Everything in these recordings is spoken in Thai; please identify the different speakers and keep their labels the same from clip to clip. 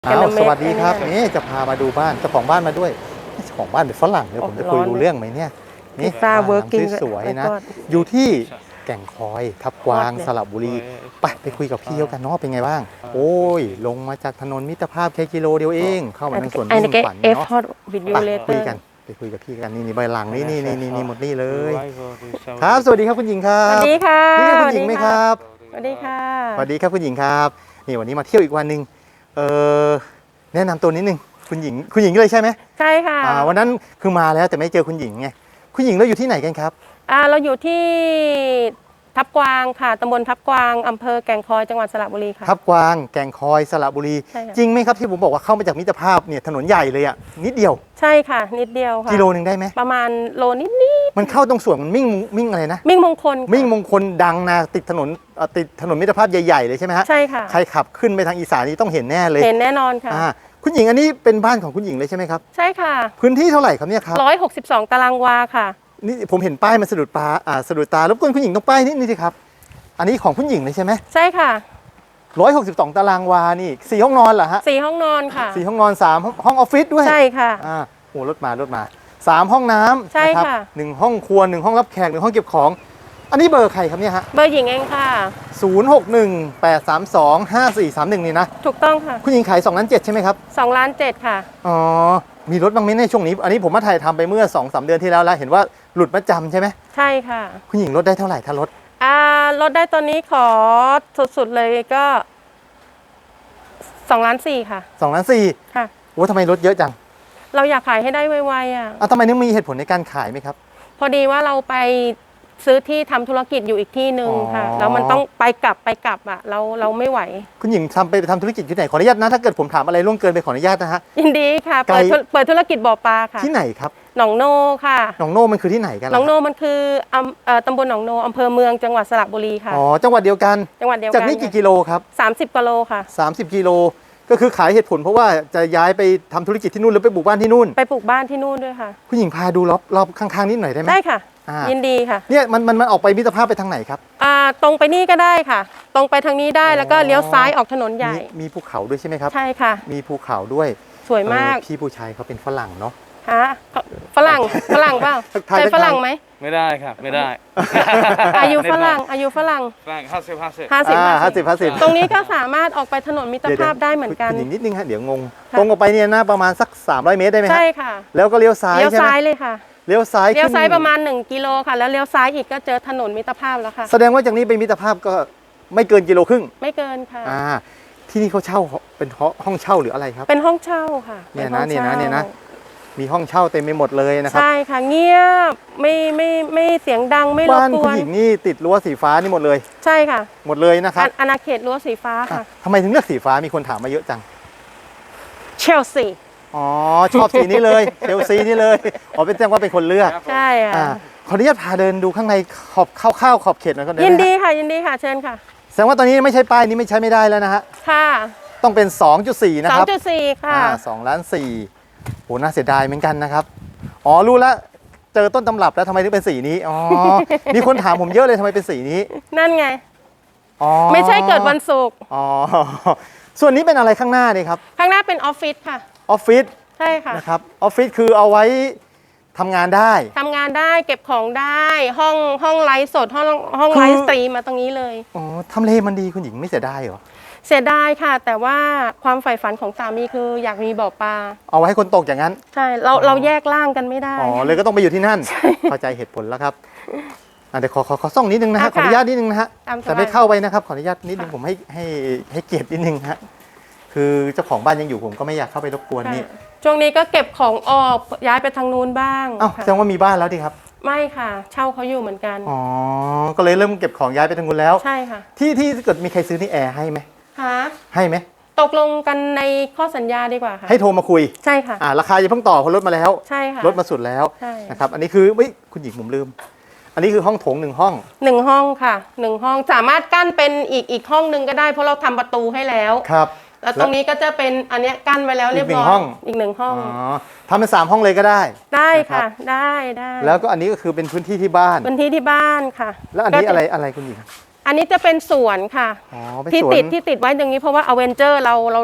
Speaker 1: สวัสดีครับนี่จะพามาดูบ้านเจ้าของบ้านมาด้วยเจ้าของบ้านเป็นฝรั่งเดี๋ยวผมจะคุยรู้เรื่องไหมเนี่ยนี่บ้านหลังสวยๆนะอยู่ที่แก่งคอยทับกวางสระบุรีไปคุยกับพี่เขากันเนาะเป็นไงบ้างโอ้ยลงมาจากถนนมิตรภาพแค่กิโลเดียวเองเข้ามาในสวนมิ่งขวัญเนาะไปคุยกับพี่กันนี่ใบหลังนี่หมดนี่เลยครับสวัสดีครับคุณหญิงครับ
Speaker 2: สวัสดีค่ะ
Speaker 1: นี่คือคุณหญิงไหมครับ
Speaker 2: สวัสดีค่ะ
Speaker 1: สวัสดีครับคุณหญิงครับนี่วันนี้มาเที่ยวอีกวันนึงแนะนำตัวนิดนึงคุณหญิงเลยใช่ไหม
Speaker 2: ใช่ค่ะ
Speaker 1: วันนั้นคือมาแล้วแต่ไม่เจอคุณหญิงไงคุณหญิงเราอยู่ที่ไหนกันครับ
Speaker 2: เราอยู่ที่ทับกวางค่ะตำบลทับกวางอำเภอแก่งคอยจังหวัดสระบุรีค่ะ
Speaker 1: ทับกวางแก่งคอยสระบุรีจริงไหมครับที่ผมบอกว่าเข้ามาจากมิตรภาพเนี่ยถนนใหญ่เลยอ่ะนิดเดียว
Speaker 2: ใช่ค่ะนิดเดียวค่ะ
Speaker 1: กิโลนึงได้ไหม
Speaker 2: ประมาณโลนิด
Speaker 1: มันเข้าตรงส่วนมันมิ่งอะไรนะ
Speaker 2: มิ่งมงคล
Speaker 1: ดังนะติดถนนมิตรภาพใหญ่ๆเลยใช่ไหมฮะ
Speaker 2: ใช่ค่ะ
Speaker 1: ใครขับขึ้นไปทางอีสานนี่ต้องเห็นแน่เลย
Speaker 2: เห็นแน่นอนค่ะ
Speaker 1: คุณหญิงอันนี้เป็นบ้านของคุณหญิงเลยใช่ไหมครับ
Speaker 2: ใช่ค่ะ
Speaker 1: พื้นที่เท่าไหร่ครับเนี่ยครับ
Speaker 2: 162 ตารางวาค่ะ
Speaker 1: นี่ผมเห็นป้ายมันสะดุดตารบกวนคุณหญิงต้องป้ายนี่สิครับอันนี้ของคุณหญิงเลยใช่ไหม
Speaker 2: ใช่ค่ะ
Speaker 1: 162 ตารางวานี่4 ห้องนอนเหรอฮะ
Speaker 2: 4 ห้องนอนค่ะ
Speaker 1: 4 ห้องนอน3 ห้องออฟฟิศด้วย
Speaker 2: ใช่ค่ะ
Speaker 1: โอ้รถมา3 ห้องน้ำ
Speaker 2: ใช่ค่ะ
Speaker 1: 1 ห้องครัว1 ห้องรับแขก1 ห้องเก็บของอันนี้เบอร์ใครครับเนี่ยฮะ
Speaker 2: เบอร์หญิงเองค่ะ
Speaker 1: 0618325431นี่นะ
Speaker 2: ถูกต้องค่ะ
Speaker 1: คุณหญิงขาย2.7 ล้านใช่ไหมครับ
Speaker 2: 2.7 ล้านค่ะ
Speaker 1: อ๋อมีรถบ้างไหมในช่วงนี้อันนี้ผมมาถ่ายทำไปเมื่อ 2-3 เดือนที่แล้วเห็นว่าหลุดมาจำใช่ไหม
Speaker 2: ใช่ค่ะ
Speaker 1: คุณหญิงลดได้เท่าไหร่ถ้ารถ
Speaker 2: ลดได้ตอนนี้ขอสุดๆเลยก็2.4 ล้านค่ะ
Speaker 1: 2.4 ล้าน
Speaker 2: ค่ะ
Speaker 1: โอ้ทำไมลดเยอะจัง
Speaker 2: เราอยากขายให้ได้ไวๆ
Speaker 1: ทำไมนึกมีเหตุผลในการขายไหมครับ
Speaker 2: พอดีว่าเราไปซื้อที่ทำธุรกิจอยู่อีกที่หนึ่งค่ะแล้วมันต้องไปกลับเราไม่ไหว
Speaker 1: คุณหญิงไปทำธุรกิจที่ไหนขออนุญาตนะถ้าเกิดผมถามอะไรล่วงเกินไปขออนุญาตนะฮะ
Speaker 2: ยินดีค่ะเปิดธุรกิจบ่อปลาค่ะ
Speaker 1: ที่ไหนครับ
Speaker 2: หนองโนค่ะ
Speaker 1: หนองโนมันคือที่ไหนกัน
Speaker 2: หนองโนมันคือตำบลหนองโนอำเภอเมืองจังหวัดสระบุรีค่ะ
Speaker 1: จังหวัดเดียวกันจากนี้กี่กิโลครับ
Speaker 2: 30 กิโลค่ะ
Speaker 1: 30 กิโลก็คือขายเหตุผลเพราะว่าจะย้ายไปทำธุรกิจที่นู่นหรือไปปลูกบ้านที่นู่น
Speaker 2: ไปปลูกบ้านที่นู่นด้วยค่ะ
Speaker 1: คุณหญิงพาดูรอบข้างๆนิดหน่อยได้ไหม
Speaker 2: ได้ค่ะยินดีค่ะ
Speaker 1: เนี่ยมันออกไปมิตรภาพไปทางไหนครับ
Speaker 2: ตรงไปนี่ก็ได้ค่ะตรงไปทางนี้ได้แล้วก็เลี้ยวซ้ายออกถนนใหญ่
Speaker 1: มีภูเขาด้วยใช่ไหมครับ
Speaker 2: ใช่ค่ะ
Speaker 1: มีภูเขาด้วย
Speaker 2: สวยมาก
Speaker 1: พี่ผู้ชายเขาเป็นฝรั่งเนาะ
Speaker 2: ฮะฝรั่งเปล่าเป็นฝรั่งไหม
Speaker 3: ไม่ได้ครับไม่ได้
Speaker 2: อายุฝรั่ง50 ตรงนี้ก็สามารถออกไปถนนมิตรภาพได้เหมือนกัน
Speaker 1: นิดนึงฮะเดี๋ยวงงตรงออกไปเนี่ยนะประมาณสัก300 เมตรได้ไหม
Speaker 2: ใช่ค่ะ
Speaker 1: แล้วก็เลี้ยวซ้าย
Speaker 2: เลี้ยวซ้ายเลยค่ะ
Speaker 1: เลี้ยวซ้าย
Speaker 2: ประมาณ1 กิโลค่ะแล้วเลี้ยวซ้ายอีกก็เจอถนนมิตรภาพแล้วค่ะ
Speaker 1: แสดงว่าจากนี้ไปมิตรภาพก็ไม่เกิน1.5 กิโล
Speaker 2: ไม่เกินค่ะ
Speaker 1: ที่นี่เขาเช่าเป็นห้องเช่าหรืออะไรครับ
Speaker 2: เป็นห้องเช่าค่ะ
Speaker 1: เนี่ยนะมีห้องเช่าเต็มไปหมดเลยนะครับ
Speaker 2: ใช่ค่ะเงียบไม่เสียงดังไม่รบกวน
Speaker 1: บ้านคุณหญิงนี่ติดรั้วสีฟ้านี่หมดเลย
Speaker 2: ใช่ค่ะ
Speaker 1: หมดเลยนะครับ
Speaker 2: อาณาเขตรั้วสีฟ้าค่ะ
Speaker 1: ทำไมถึงเลือกสีฟ้ามีคนถามมาเยอะจัง
Speaker 2: เชลซี
Speaker 1: ชอบสีนี้เลยเชลซีนี่เลยเป็นแจ้งว่าเป็นคนเลือก
Speaker 2: ใช่
Speaker 1: ขออนุญาตพาเดินดูข้างในขอบเขตหน่อยก็ได้
Speaker 2: ยินดีค่ะเชิญค่ะ
Speaker 1: แสดงว่าตอนนี้ไม่ใช่ป้ายนี้ไม่ใช้ไม่ได้แล้วนะฮะ
Speaker 2: ค่ะ
Speaker 1: ต้องเป็น 2.4 นะครับ
Speaker 2: 2.4 ค่ะ
Speaker 1: 2.4 ล้านโหน่าเสียดายเหมือนกันนะครับรู้แล้วเจอต้นตำรับแล้วทำไมถึงเป็นสีนี้มีคนถามผมเยอะเลยทำไมเป็นสีนี้
Speaker 2: นั่นไงไม่ใช่เกิดวันศุกร์
Speaker 1: ส่วนนี้เป็นอะไรข้างหน้านี่ครับ
Speaker 2: ข้างหน้าเป็นออฟฟิศค่ะ
Speaker 1: ออฟฟิศ
Speaker 2: ใช่ค่ะ
Speaker 1: นะครับออฟฟิศคือเอาไว้ทำงานได้
Speaker 2: เก็บของได้ห้องไลฟ์สดห้องไลฟ์สตรีมมาตรงนี้เลย
Speaker 1: ทำเลมันดีคุณหญิงไม่เสียดายเหรอ
Speaker 2: เสียดายค่ะแต่ว่าความใฝ่ฝันของสามีคืออยากมีบ่อปลา
Speaker 1: เอาไว้ให้คนตกอย่างนั้น
Speaker 2: ใช่เราแยกร่างกันไม่ได้
Speaker 1: เลยก็ต้องไปอยู่ที่นั่นเข้าใจเหตุผลแล้วครับเดี๋ยวขอส่องนิดนึงนะฮะขออนุญาตนิดนึงนะฮะแต่ไม่เข้าไปนะครับขออนุญาตนิดนึงผมให้เกียรตินิดนึงฮะคือเจ้าของบ้านยังอยู่ผมก็ไม่อยากเข้าไปรบกวนนี่
Speaker 2: ช่วงนี้ก็เก็บของออกย้ายไปทางนู้นบ้าง
Speaker 1: แสดงว่ามีบ้านแล้วดิครับ
Speaker 2: ไม่ค่ะเช่าเขาอยู่เหมือนกัน
Speaker 1: ก็เลยเริ่มเก็บของย้ายไปทางนู้นแล้ว
Speaker 2: ใช่ค่ะ
Speaker 1: ที่เกิดมีใครซื้อนี่แอร์ให้ไหมให้ไหม
Speaker 2: ตกลงกันในข้อสัญญาดีกว่าค่ะ
Speaker 1: ให้โทรมาคุย
Speaker 2: ใช่ค่ะ
Speaker 1: ราคาอย่าเพิ่งต่อเพราะลดมาแล้ว
Speaker 2: ใช่ค่ะ
Speaker 1: ลดมาสุดแล้วนะครับอันนี้คือคุณหญิงผมลืมอันนี้คือห้องโถง1 ห้อง
Speaker 2: ห้องค่ะ1 ห้องสามารถกั้นเป็นอีกห้องนึงก็ได้เพราะเราทำประตูให้แล้ว
Speaker 1: ครับ
Speaker 2: แล้วตรงนี้ก็จะเป็นอันนี้กั้นไว้แล้วเรียบร้อยอีก1 ห้อง
Speaker 1: ทำเป็น3 ห้องเลยก็
Speaker 2: ได้ค่ะได้
Speaker 1: แล้วก็อันนี้ก็คือเป็นพื้นที่ที่บ้าน
Speaker 2: ค่ะ
Speaker 1: แล้วอันนี้อะไรคุณหญิง
Speaker 2: อันนี้จะเป็นสวนค่ะที่ติดไว้ตรงนี้เพราะว่าอเวนเจอร์เรา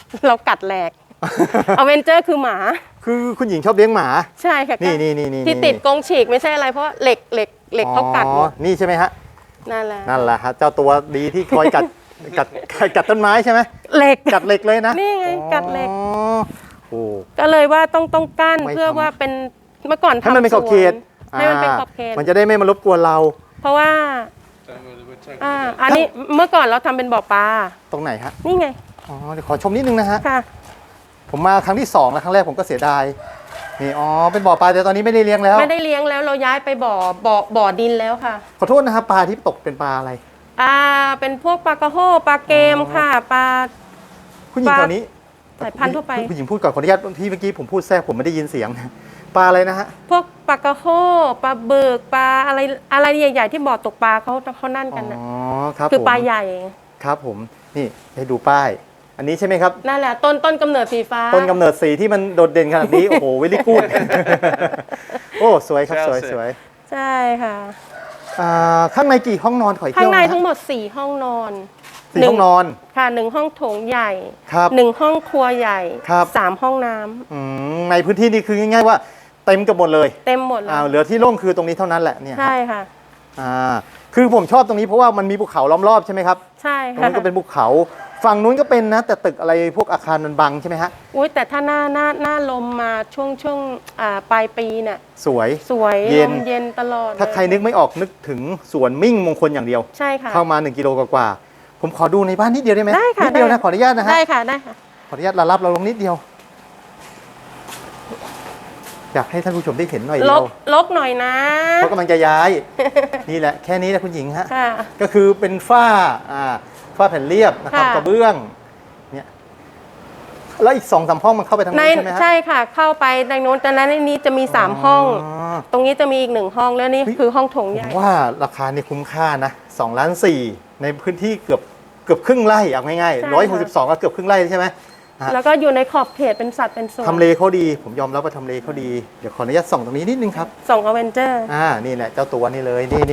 Speaker 2: เรากัดแหลก อเวนเจอร์คือหมา
Speaker 1: คือคุณหญิงชอบเลี้ยงหมา
Speaker 2: ใช่ค่ะ
Speaker 1: นี่
Speaker 2: ที่ติดกรงฉีกไม่ใช่อะไรเพราะเหล็กเขากัดหมด
Speaker 1: นี่ใช่ไหมฮะ
Speaker 2: นั่นแหละ
Speaker 1: นั่นแหละฮะเจ้าตัวดีที่คอยกัด กัดต้นไม้ใช่ไหม
Speaker 2: เหล็ก
Speaker 1: กัดเหล็กเลยนะ
Speaker 2: นี่ไงกัดเหล็ก
Speaker 1: อ๋อโอ้
Speaker 2: ก็เลยว่าต้องกั้น
Speaker 1: ไม่
Speaker 2: เพื่อ
Speaker 1: ทำ
Speaker 2: ว่าเป็นเมื่อก่อนทำ
Speaker 1: ให้มันเป็นขอบเขต
Speaker 2: สวนให้มันเป็นขอบเขต
Speaker 1: มันจะได้ไม่มารบกวนเรา
Speaker 2: เพราะว่าอันนี้เมื่อก่อนเราทำเป็นบ่อปลา
Speaker 1: ตรงไหนฮะ
Speaker 2: นี่ไง
Speaker 1: อ๋อเดี๋ยวขอชมนิดนึงนะฮะ
Speaker 2: ค่ะ
Speaker 1: ผมมาครั้งที่2แล้วครั้งแรกผมก็เสียดายนี่อ๋อเป็นบ่อปลาแต่ตอนนี้ไม่ได้เลี้ยงแล้ว
Speaker 2: ไม่ได้เลี้ยงแล้วเราย้ายไปบ่อดินแล้วค่ะ
Speaker 1: ขอโทษนะครับปลาที่ตกเป็นปลาอะไร
Speaker 2: เป็นพวกปลากระโฮปลาเกมค่ะปลา
Speaker 1: คุณหญิง
Speaker 2: ปลา
Speaker 1: ตอนนี้
Speaker 2: สายพันธุ์ทั่วไป
Speaker 1: คุณหญิงพูดก่อนขออนุญาตที่เมื่อกี้ผมพูดแทรกผมไม่ได้ยินเสียง ปลาอะไรนะฮะ
Speaker 2: พวกปลากระโฮปลาเบิกปลาอะไรใหญ่ๆที่บ่อตกปลาเขานั่นกันนะ
Speaker 1: อ๋อครับ
Speaker 2: คือ
Speaker 1: ผม
Speaker 2: ปลาใหญ่
Speaker 1: ครับผมนี่ให้ดูป้าย อันนี้ใช่ไหมครับ
Speaker 2: นั่นแหละต้นกำเนิดสีฟ้า
Speaker 1: ต้นกำเนิดสีที่มันโดดเด่นขนาดนี้ โอ้โหเวลี่กูด โอ้สวยครับสวยสวย
Speaker 2: ใช่ค่ะ
Speaker 1: ข้างในกี่ห้องนอนขออีก
Speaker 2: ข้างใน
Speaker 1: เที่ยวะ
Speaker 2: ทั้งหมด4ห้องนอน
Speaker 1: สี่ห้องนอน
Speaker 2: ค่ะ1ห้องโถงใหญ่
Speaker 1: ครับ
Speaker 2: 1ห้องครัวใหญ่
Speaker 1: ครับ
Speaker 2: 3ห้องน้ำ
Speaker 1: ในพื้นที่นี้คือง่ายๆว่าเต็มกันหมดเลย
Speaker 2: เต็มหมดเลย
Speaker 1: เหลือที่โล่งคือตรงนี้เท่านั้นแหละเนี่ย
Speaker 2: ใช่ค่ะ
Speaker 1: คือผมชอบตรงนี้เพราะว่ามันมีภูเขาล้อมรอบใช่ไหมครับ
Speaker 2: ใช่
Speaker 1: ตรง
Speaker 2: ค่ะ
Speaker 1: นู้นก็เป็นภูเขาฝั่งนู้นก็เป็นนะแต่ตึกอะไรพวกอาคารมันบังใช่ไหมฮะ
Speaker 2: อุ้ยแต่ถ้าหน้าลมมาช่วงปลายปีเนี่ย
Speaker 1: สวย
Speaker 2: สวย
Speaker 1: เย็น
Speaker 2: ลมเย็นตลอด
Speaker 1: ถ้าใครนึกไม่ออกนึกถึงสวนมิ่งมงคลอย่างเดียว
Speaker 2: ใช่ค่ะ
Speaker 1: เข้ามา1 กิโลกว่าๆผมขอดูในบ้านนิดเดียวได้ไหม
Speaker 2: ได้ค่ะ
Speaker 1: นิดเดียว
Speaker 2: ได้
Speaker 1: นะขออนุญาตนะฮะ
Speaker 2: ได้ค่ะได้ค่ะ
Speaker 1: ขออนุญาตรับเราลงนิดเดียว อยากให้ท่านผู้ชมได้เห็นหน่อย
Speaker 2: ล
Speaker 1: เดียว
Speaker 2: ลกหน่อยนะ
Speaker 1: เพราะกำลังจะย้าย นี่แหละแค่นี้นะคุณหญิงฮะ
Speaker 2: ค่ะ
Speaker 1: ก็คือเป็นฝ้าแผ่นเรียบนะครับ
Speaker 2: ค่ะ
Speaker 1: กระเบื้องเนี่ยแล้วอีก2-3ห้องมันเข้าไปทาง
Speaker 2: ใน
Speaker 1: นู้นใช่ไหมฮะ
Speaker 2: ใช่ค่ะ เข้าไปในโน้นแต่นั้นในนี้จะมี3ห้อง ตรงนี้จะมีอีก1ห้องแล้วนี่คือห้องโถง
Speaker 1: ผ
Speaker 2: ใหญ่
Speaker 1: มว่าราคาเนี่ยคุ้มค่านะ2.4 ล้านในพื้นที่เกือบครึ่งไร่เอาง่าย
Speaker 2: ใช่
Speaker 1: ๆ
Speaker 2: ค่ะ
Speaker 1: 162ก็เกือบครึ่งไร่ใช่ไหม
Speaker 2: แล้วก็อยู่ในขอบเขตเป็นสัตว์เป็นส่วน
Speaker 1: ทำเลเขาดี ผมยอมรับว่าทำเลเขาดี เดี๋ยวขออนุญาตส่องตรงนี้นิดนึงครับ
Speaker 2: ส่งอเวนเจอร์
Speaker 1: นี่แหละเจ้าตัวนี่เลยนี่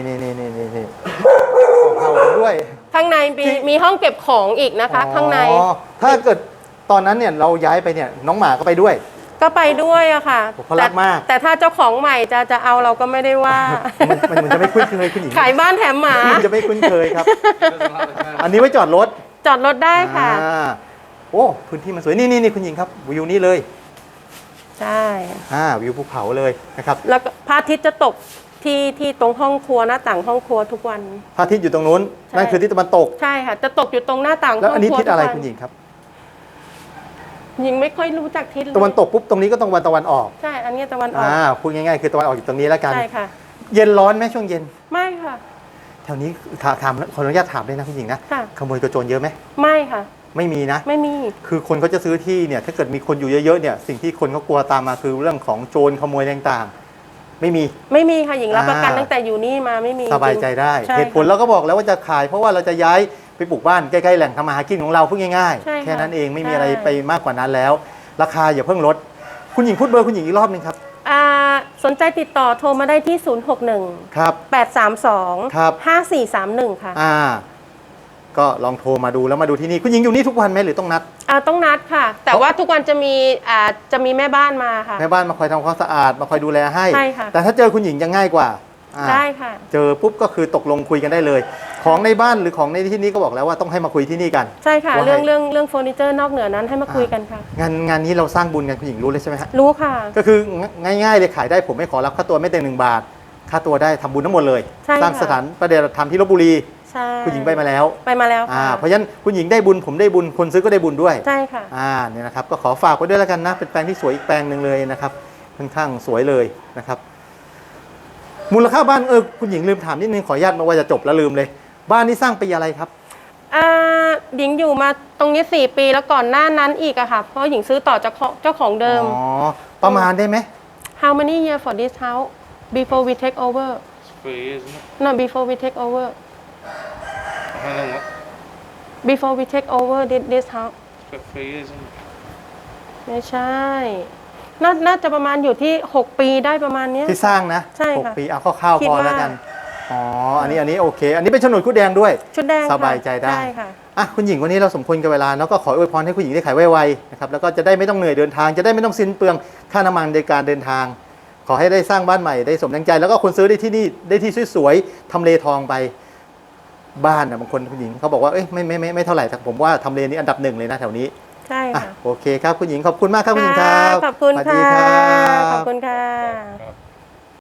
Speaker 1: ของเขาด้วย
Speaker 2: ข้างในมีห้องเก็บของอีกนะคะ ข้างใน
Speaker 1: อ๋อถ้าเกิดตอนนั้นเนี่ยเราย้ายไปเนี่ยน้องหมาก็ไปด้วย
Speaker 2: ก็ไปด้วยอะค่ะ
Speaker 1: โอ้เขารักมาก
Speaker 2: แต่ถ้าเจ้าของใหม่จะเอาเราก็ไม่ได้ว่า
Speaker 1: มันจะไม่คุ้นเคยคุณหญิง
Speaker 2: ขายบ้านแถมหมา
Speaker 1: มันจะไม่คุ้นเคยครับ อันนี้ไว้จอดรถ
Speaker 2: จอดรถได้ค่ะ
Speaker 1: โอ้พื้นที่มันสวยนี่คุณหญิงครับวิวนี้เลย
Speaker 2: ใช่
Speaker 1: วิวภูเขาเลยนะครับ
Speaker 2: แล้วก็พระอาทิตย์จะตกที่ตรงห้องครัวหน้าต่างห้องครัวทุกวัน
Speaker 1: พระอาทิตย์อยู่ตรงนู้น
Speaker 2: ใช่
Speaker 1: นั่นคือทิศตะวันตก
Speaker 2: ใช่ค่ะ จะตกอยู่ตรงหน้าต่างห้อง
Speaker 1: แล้วอันนี้
Speaker 2: ครัว
Speaker 1: ทิศอะไร
Speaker 2: ทุกวัน
Speaker 1: คุณหญิงครับ
Speaker 2: หญิงไม่ค่อยรู้จักทิศเลย
Speaker 1: ตะวันตกปุ๊บตรงนี้ก็ตรงตะวันออก
Speaker 2: ใช่ อันนี้ตะวันออก
Speaker 1: พูดง่ายๆคือตะวันออกอยู่ตรงนี้แล้วกัน
Speaker 2: ใช่ค่ะ
Speaker 1: เย็นร้อนไหมช่วงเย็น
Speaker 2: ไม่ค่ะ
Speaker 1: แถวนี้ถามขออนุญาตถามเลยนะคุณหญิงนะ
Speaker 2: ค่ะ
Speaker 1: ขโมยกระโจนเยอะไหม
Speaker 2: ไม่ค่ะ
Speaker 1: ไม่มีนะ
Speaker 2: ไม่มี
Speaker 1: คือคนเขาจะซื้อที่เนี่ยถ้าเกิดมีคนอยู่เยอะๆเนี่ยสิ่งที่คนเขากลัวตามมาคือเรื่องของโจรขโมยต่างๆ ไม่มี
Speaker 2: ไม่มีค่ะหญิงรับประกัน
Speaker 1: อ่า
Speaker 2: ตั้งแต่อยู่นี่มาไม่มี
Speaker 1: สบายใจได้
Speaker 2: ใช่
Speaker 1: เหตุผลเราก็บอกแล้วว่าจะขาย เพราะว่าเราจะย้ายไปปลูกบ้านใกล้ๆแหล่งทำมาหากินของเราพูดง่าย
Speaker 2: ใช่ค่ะ
Speaker 1: ๆแค่นั้นเองไม่มี
Speaker 2: ใช่
Speaker 1: อะไรไปมากกว่านั้นแล้ว ราคาอย่าเพิ่งลดคุณหญิงพูดเบอร์คุณหญิงอีกรอบหนึงครับ
Speaker 2: สนใจติดต่อโทรมาได้ที่ 061
Speaker 1: ครับ
Speaker 2: 832
Speaker 1: ครับ
Speaker 2: 5431 ค่ะ
Speaker 1: ก็ลองโทรมาดูแล้วมาดูที่นี่คุณหญิงอยู่นี่ทุกวันไหมหรือต้องนัด
Speaker 2: ต้องนัดค่ะ แต่ว่าทุกวันจะมีแม่บ้านมาค่ะ
Speaker 1: แม่บ้านมาคอยทำความสะอาดมาคอยดูแลให้
Speaker 2: ใช่ค่ะ
Speaker 1: แต่ถ้าเจอคุณหญิงจะง่ายกว่า
Speaker 2: ได้ค่ะ
Speaker 1: เจอปุ๊บก็คือตกลงคุยกันได้เลย ของในบ้านหรือของในที่นี้ก็บอกแล้วว่าต้องให้มาคุยที่นี่กัน
Speaker 2: ใช่ค่ะ
Speaker 1: ว่าให้
Speaker 2: เรื่องเฟอร์นิเจอร์นอกเหนือนั้นให้มาคุยกันค่ะ
Speaker 1: งานนี้เราสร้างบุญกันคุณหญิงรู้เลยใช่ไหมฮะ
Speaker 2: รู้ค่ะ
Speaker 1: ก็คือง่ายๆเลยขายได้ผมไม่ขอรับค่าตัวไม่เต็ม1 บาท ค่าตัวได้ทำบุญทั้งหมดเลย
Speaker 2: ใช่ค่ะ
Speaker 1: สร้างสถานประเดียธรรมที่ลพบุรี
Speaker 2: ใช่
Speaker 1: คุณหญิงไปมาแล้ว
Speaker 2: ไปมาแล้วค่ะ
Speaker 1: เพราะฉะนั้นคุณหญิงได้บุญผมได้บุญคนซื้อก็ได้บุญด้วย
Speaker 2: ใช่ค่ะ
Speaker 1: เนี่ยนะครับก็ขอฝากไว้ด้วยแล้วกันนะเป็นแปลงที่สวยอีกแปลงหนึ่งเลยนะครับค่อนข้างสวยเลยนะครับมูลค่าบ้านคุณหญิงลืมถามนิดนึงขออนุญาตมาว่าจะจบแล้วลืมเลย บ้านนี้สร้างปีอะไรครับ
Speaker 2: หญิงอยู่มาตรงนี้4 ปีแล้วก่อนหน้านั้นอีกอะค่ะ เพราะหญิงซื้อต่อจากเจ้าของเดิม
Speaker 1: ประมาณได้ไหม
Speaker 2: How many years for this house before we take over
Speaker 3: It's 3 years, isn't it?
Speaker 2: no before we take over
Speaker 3: How long? What?
Speaker 2: before we take over this house
Speaker 3: It's about 3 years, isn't it?
Speaker 2: ไม่ใช่ น่าจะประมาณอยู่ที่6 ปีได้ประมาณเนี้ย
Speaker 1: ที่สร้างนะ
Speaker 2: ใช่ค่ะ
Speaker 1: 6 ปีเอาคร่าวๆ
Speaker 2: คิด
Speaker 1: พอ
Speaker 2: ว่า
Speaker 1: แล้วกันอันนี้โอเค อันนี้เป็นโฉนดคู่แดงด้วย
Speaker 2: ชุดแดงค่ะ
Speaker 1: สบายใจได้
Speaker 2: ใช่ค่ะ
Speaker 1: อ่ะคุณหญิงวันนี้เราสมควรกับเวลาเนาะก็ขออวยพรให้คุณหญิงได้ขายไวๆนะครับแล้วก็จะได้ไม่ต้องเหนื่อยเดินทางจะได้ไม่ต้องสิ้นเปลืองค่าน้ำมันในการเดินทาง ขอให้ได้สร้างบ้านใหม่ได้สมดังใจ แล้วก็คนซื้อได้ที่นี่ได้ที่สวยๆทำเลทองไปบ้านบางคนคุณหญิงเขาบอกว่าเอ้ยไม่เท่าไหร่แต่ผมว่าทำเลนี้อันดับ1เลยนะแถวนี้
Speaker 2: ใช่
Speaker 1: อ่ะ
Speaker 2: ค่ะ
Speaker 1: โอเคครับคุณหญิงขอบคุณมากครับคุณหญิงครับ
Speaker 2: ขอบคุณ
Speaker 1: สวัสดี
Speaker 2: ค่ะ
Speaker 1: ครับ
Speaker 2: ขอบคุณค่ะ